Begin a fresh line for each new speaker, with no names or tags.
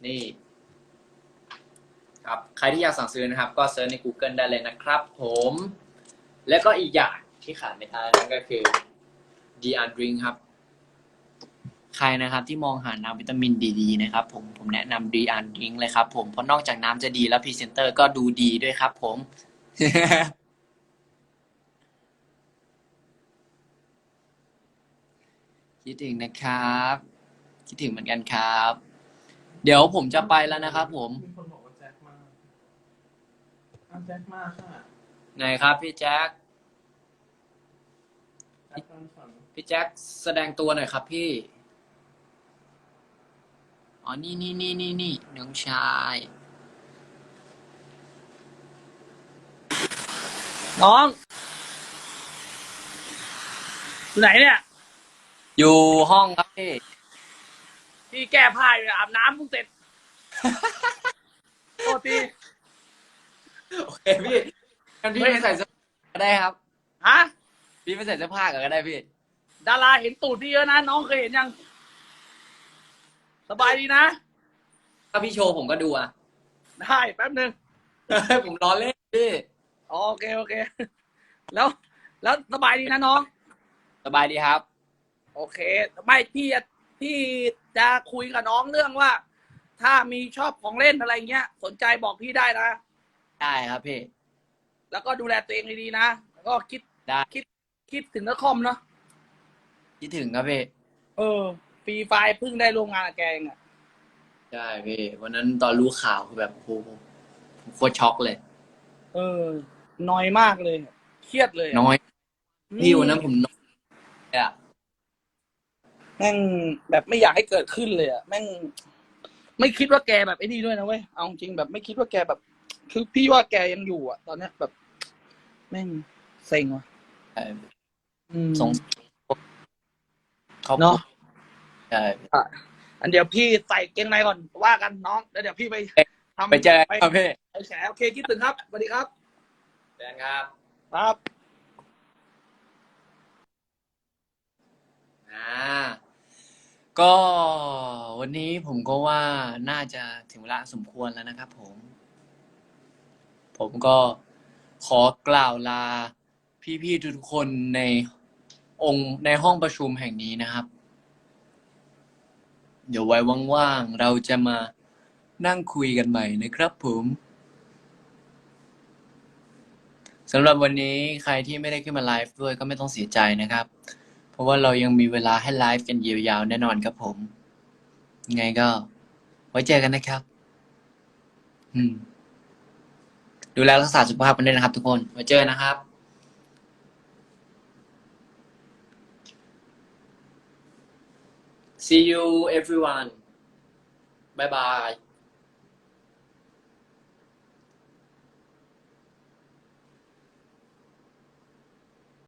นี่ครับใครที่อยากสั่งซื้อนะครับก็เซิร์ชใน Google ได้เลยนะครับผมแล้วก็อีกอย่างที่ขาดไม่ได้นั่นก็คือ DR Drink ครับใครนะครับที่มองหาน้ำวิตามินดีๆนะครับผมแนะนำ DR Drink เลยครับผมเพราะนอกจากน้ำจะดีแล้วพรีเซนเตอร์ก็ดูดีด้วยครับผม คิดถึงนะครับคิดถึงเหมือนกันครับ เดี๋ยวผมจะไปแล้วนะครับผม
มีคนบอกว่าแจ็คมาแจ็คมาค่ะ
ไหนครับพี่แจ็ค
แจ็คฟังฝัน
พี่แจ็คแสดงตัวหน่อยครับพี่อ๋อนี่น้องชาย
น้องอยู่ไหนเนี่ย
อยู่ห้องครับพี่
พี่แก้ผ้าอยู่อาบน้ำเพิ่งเสร็จโทษที
โอเคพี่งั้นพี่ไปใส่เสื้อผ้าก็ได้ครับ
ฮะ
พี่ไปใส่เสื้อผ้าก็ได้พี่
ดาราเห็นตูดพี่เยอะนะน้องเคยเห็นยังสบายดีนะ
ถ้าพี่โชว์ผมก็ดูอ่ะ
ได้แป๊บนึง
ผมล้อเล่นพี่
โอเคแล้วแล้วสบายดีนะน้อง
สบายดีครับ
โอเคไม่พี่จะคุยกับน้องเรื่องว่า ถ้ามีชอบของเล่นอะไรเงี้ยสนใจบอกพี่ได้นะ
ได้ครับพี่
แล้วก็ดูแลตัวเองดีๆนะแล้วก็
ได้
คิดถึงนักคอมเนาะ
คิดถึงครับพี่
ฟรีไฟล์เพิ่งได้ร่วมงานกับแกเองอะ
ใช่พี่วันนั้นตอนรู้ข่าวคือแบบโอ้โหผมโคตรช็อกเลย
เออน้อยมากเลยเครียดเลย
น้อยพี่วันนั้น
อื
ผมน้อยอะ
แม่งแบบไม่อยากให้เกิดขึ้นเลยอ่ะแม่งไม่คิดว่าแกแบบไอ้นี่ด้วยนะเว้ยเอาจริงแบบไม่คิดว่าแกแบบ คือพี่ว่าแกยังอยู่อ่ะ ตอนเนี้ยแบบแม่งเซ็งว่ะ
สงเขา
เนาะ
ใช่
อ่ะอันเดี๋ยวพี่ใส่เกงในก่อนว่ากันน้องแล้วเดี๋ยวพี่ไปทำ
ไปเจอ
ไป
ครับพี่
แฉโอเคคิดถึงครับสวัสดีครับ
แฟนครับ
ครับ
อ่าก็วันนี้ผมก็ว่าน่าจะถึงเวลาสมควรแล้วนะครับผมก็ขอกล่าวลาพี่ๆทุกคนในห้องประชุมแห่งนี้นะครับเดี๋ยวไว้ว่างๆเราจะมานั่งคุยกันใหม่นะครับผมสำหรับวันนี้ใครที่ไม่ได้ขึ้นมาไลฟ์ด้วยก็ไม่ต้องเสียใจนะครับเพราะว่าเรายังมีเวลาให้ไลฟ์กันยาวๆแน่นอนครับผมยังไงก็ไว้เจอกันนะครับดูแลรักษาสุขภาพกันด้วยนะครับทุกคนไว้เจอนะครับ See you everyone bye bye